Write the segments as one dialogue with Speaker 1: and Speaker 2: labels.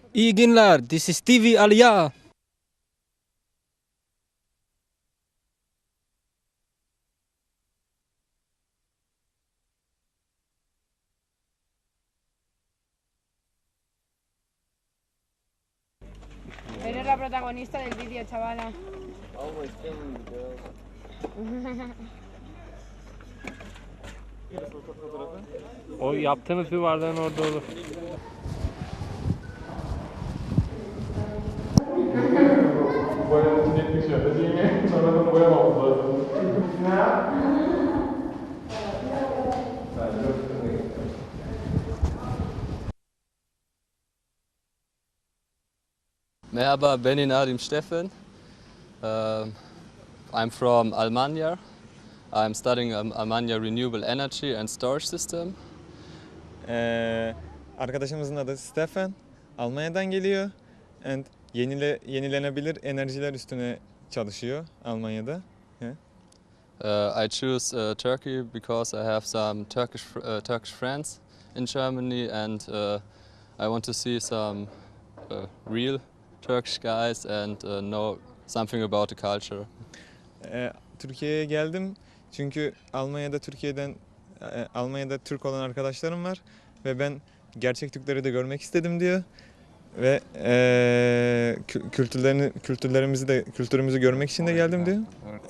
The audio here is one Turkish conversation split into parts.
Speaker 1: İyi günler. This is TV Aliya.
Speaker 2: Eres la protagonista del vídeo, chavala.
Speaker 3: O yaptığınız duvardan orada olur.
Speaker 4: Boyanın netlik şey yapacağız. Yine sonradan boyamamız lazım.
Speaker 5: Merhaba, benim adım Stefan. I'm from Almanya. I'm studying Almanya Renewable Energy and Storage System.
Speaker 4: Arkadaşımızın adı Stefan. Almanya'dan geliyor. And yenilenebilir enerjiler üstüne çalışıyor Almanya'da.
Speaker 5: I choose Turkey because I have some Turkish friends in Germany, and I want to see some real Turkish guys and know something about the culture.
Speaker 4: Türkiye'ye geldim çünkü Almanya'da Türk olan arkadaşlarım var ve ben gerçek Türkleri de görmek istedim diyor ve kültürümüzü görmek için de geldim diyor.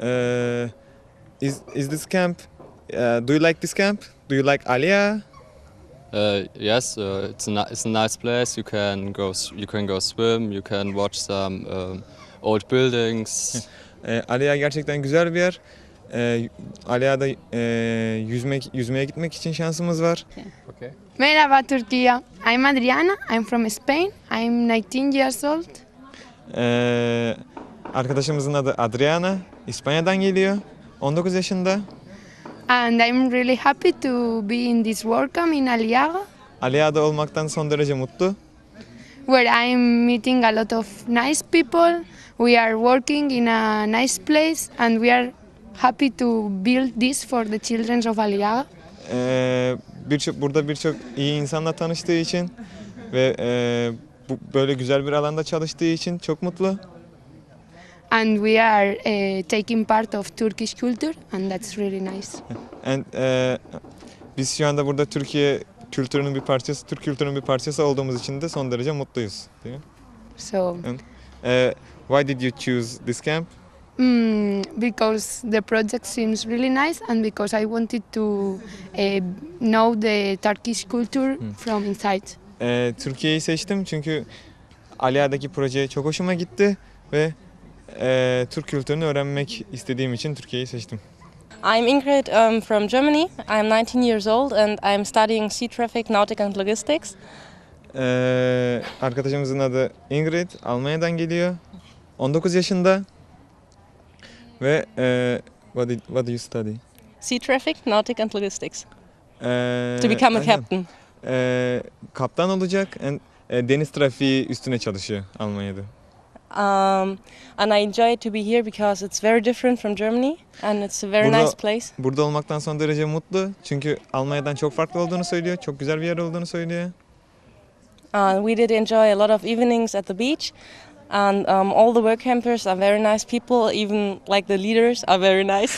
Speaker 4: Is this camp? Do you like this camp? Do you like Alia?
Speaker 5: Yes, it's a nice place. You can go swim. You can watch some old buildings.
Speaker 4: Alia gerçekten güzel bir yer. Alia'da yüzmeye gitmek için şansımız var.
Speaker 5: Okay.
Speaker 2: Merhaba Türkiye. I'm Adriana. I'm from Spain. I'm 19 years old.
Speaker 4: Arkadaşımızın adı Adriana. İspanya'dan geliyor. 19 yaşında.
Speaker 2: And I'm really happy to be in this WordCamp in Aliaga,
Speaker 4: Alia'da olmaktan son derece mutlu.
Speaker 2: where I'm meeting a lot of nice people. We are working in a nice place and we are happy to build this for the children of Aliaga.
Speaker 4: Burada birçok iyi insanla tanıştığı için ve böyle güzel bir alanda çalıştığı için çok mutlu.
Speaker 2: And we are taking part of Turkish culture and that's really nice.
Speaker 4: And, biz şu anda burada Türk kültürünün bir parçası olduğumuz için de son derece mutluyuz. Değil mi?
Speaker 2: So,
Speaker 4: Why did you choose this camp?
Speaker 2: because the project seems really nice and because I wanted to know the Turkish culture from inside.
Speaker 4: Türkiye'yi seçtim çünkü Alia'daki proje çok hoşuma gitti ve Türk kültürünü öğrenmek istediğim için Türkiye'yi seçtim.
Speaker 6: I'm Ingrid from Germany. I'm 19 years old and I'm studying sea traffic, nautic and logistics.
Speaker 4: Arkadaşımızın adı Ingrid, Almanya'dan geliyor. 19 yaşında ve what do you study?
Speaker 6: Sea traffic, nautic and logistics. To become a
Speaker 4: aynen.
Speaker 6: captain.
Speaker 4: Kaptan olacak, deniz trafiği üstüne çalışıyor Almanya'da.
Speaker 6: And I enjoy to be here because it's very different from Germany and it's a very nice place.
Speaker 4: Burada olmaktan son derece mutlu çünkü Almanya'dan çok farklı olduğunu söylüyor, çok güzel bir yer olduğunu söylüyor.
Speaker 6: We did enjoy a lot of evenings at the beach. And all the work campers are very nice people, even like the leaders are very nice.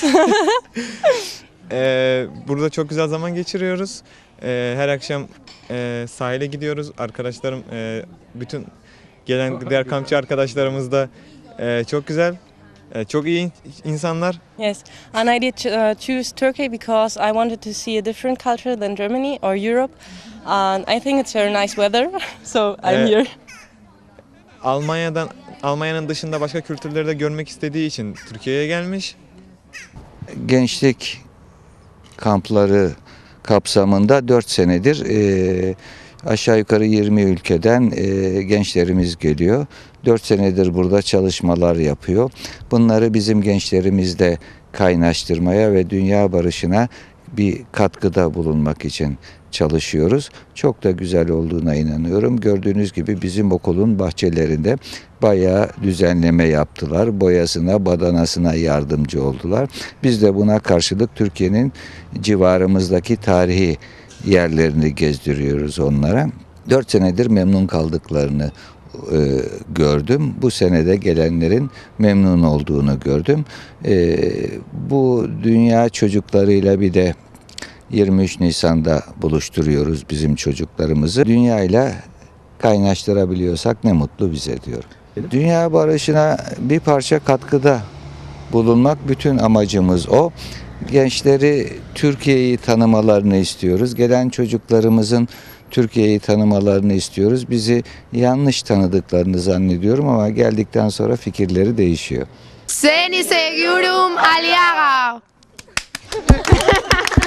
Speaker 4: Burada çok güzel zaman geçiriyoruz. Her akşam sahile gidiyoruz. Arkadaşlarım, bütün gelen diğer kampçı arkadaşlarımız da çok güzel. Çok iyi insanlar.
Speaker 6: Yes, and I did choose Turkey because I wanted to see a different culture than Germany or Europe. And I think it's very nice weather, so I'm here.
Speaker 4: Almanya'nın dışında başka kültürleri de görmek istediği için Türkiye'ye gelmiş.
Speaker 7: Gençlik kampları kapsamında 4 senedir aşağı yukarı 20 ülkeden gençlerimiz geliyor. 4 senedir burada çalışmalar yapıyor. Bunları bizim gençlerimizle kaynaştırmaya ve dünya barışına bir katkıda bulunmak için çalışıyoruz. Çok da güzel olduğuna inanıyorum. Gördüğünüz gibi bizim okulun bahçelerinde bayağı düzenleme yaptılar. Boyasına, badanasına yardımcı oldular. Biz de buna karşılık Türkiye'nin civarımızdaki tarihi yerlerini gezdiriyoruz onlara. 4 senedir memnun kaldıklarını gördüm. Bu senede gelenlerin memnun olduğunu gördüm. Bu dünya çocuklarıyla bir de 23 Nisan'da buluşturuyoruz bizim çocuklarımızı. Dünyayla kaynaştırabiliyorsak ne mutlu bize diyorum. Dünya barışına bir parça katkıda bulunmak bütün amacımız o. Gençleri Türkiye'yi tanımalarını istiyoruz. Gelen çocuklarımızın Türkiye'yi tanımalarını istiyoruz. Bizi yanlış tanıdıklarını zannediyorum ama geldikten sonra fikirleri değişiyor.
Speaker 2: Seni Segurum Aliaga.